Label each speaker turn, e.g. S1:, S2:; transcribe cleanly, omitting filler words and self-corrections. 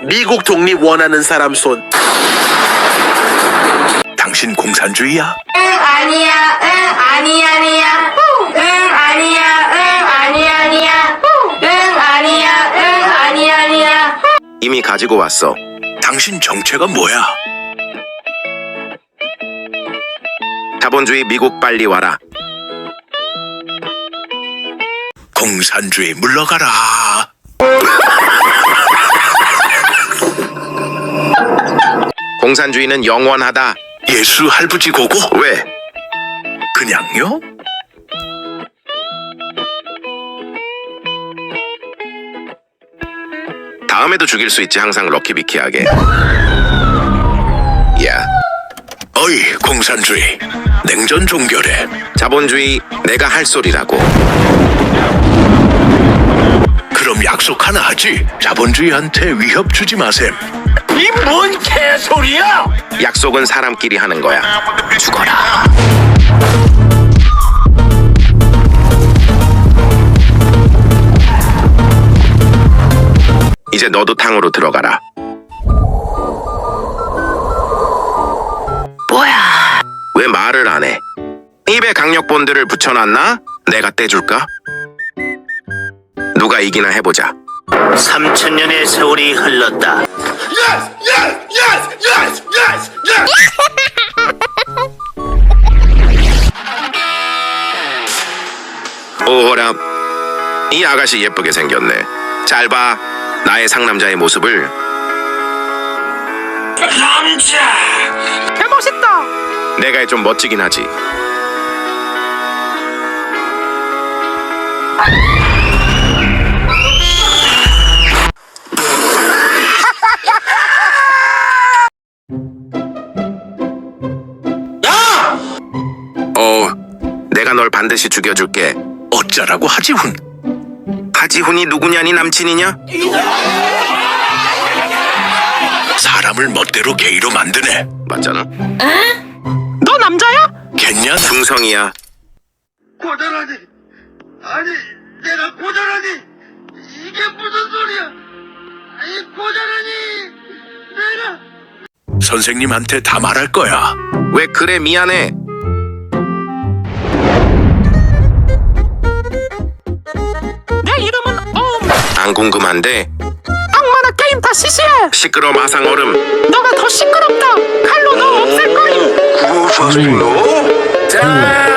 S1: 미국 독립 원하는 사람 손.
S2: 당신 공산주의야?
S3: 응 아니야 응 아니 아니야 응 아니야 응 아니 아니야 응 아니야 응 아니 아니야.
S4: 이미 가지고 왔어.
S2: 당신 정체가 뭐야?
S4: 자본주의 미국 빨리 와라.
S2: 공산주의 물러가라.
S4: 공산주의는 영원하다.
S2: 예수 할부지 고고?
S4: 왜?
S2: 그냥요?
S4: 다음에도 죽일 수 있지. 항상 럭키비키하게. 야,
S2: 어이 공산주의, 냉전 종결해.
S4: 자본주의 내가 할 소리라고.
S2: 그럼 약속 하나 하지. 자본주의한테 위협 주지 마셈.
S1: 이 뭔 개소리야?
S4: 약속은 사람끼리 하는 거야. 죽어라. 이제 너도 탕으로 들어가라.
S3: 뭐야?
S4: 왜 말을 안 해? 입에 강력본드를 붙여놨나? 내가 떼줄까? 누가 이기나 해보자.
S1: 3,000년의 세월이 흘렀다.
S4: 오호라, 이 아가씨 예쁘게 생겼네. 잘 봐, 나의 상남자의 모습을.
S1: 개멋있다.
S4: 내가 좀 멋지긴 하지. 내가 널 반드시 죽여줄게.
S2: 어쩌라고 하지훈?
S4: 하지훈이 누구냐? 네 남친이냐?
S2: 사람을 멋대로 게이로 만드네.
S4: 맞잖아.
S1: 너 남자야?
S2: 겠냐?
S4: 중성이야.
S5: 고자라니, 아니 내가 고자라니, 이게 무슨 소리야? 아니 고자라니, 내가
S2: 선생님한테 다 말할 거야.
S4: 왜 그래? 미안해.
S1: 내 이름은
S4: 안 궁금한데.
S1: 악마나 게임 다 시시해.
S4: 시끄러 마상 얼음.
S1: 너가 더 시끄럽다. 칼로 너 없앨 거임.
S4: 자.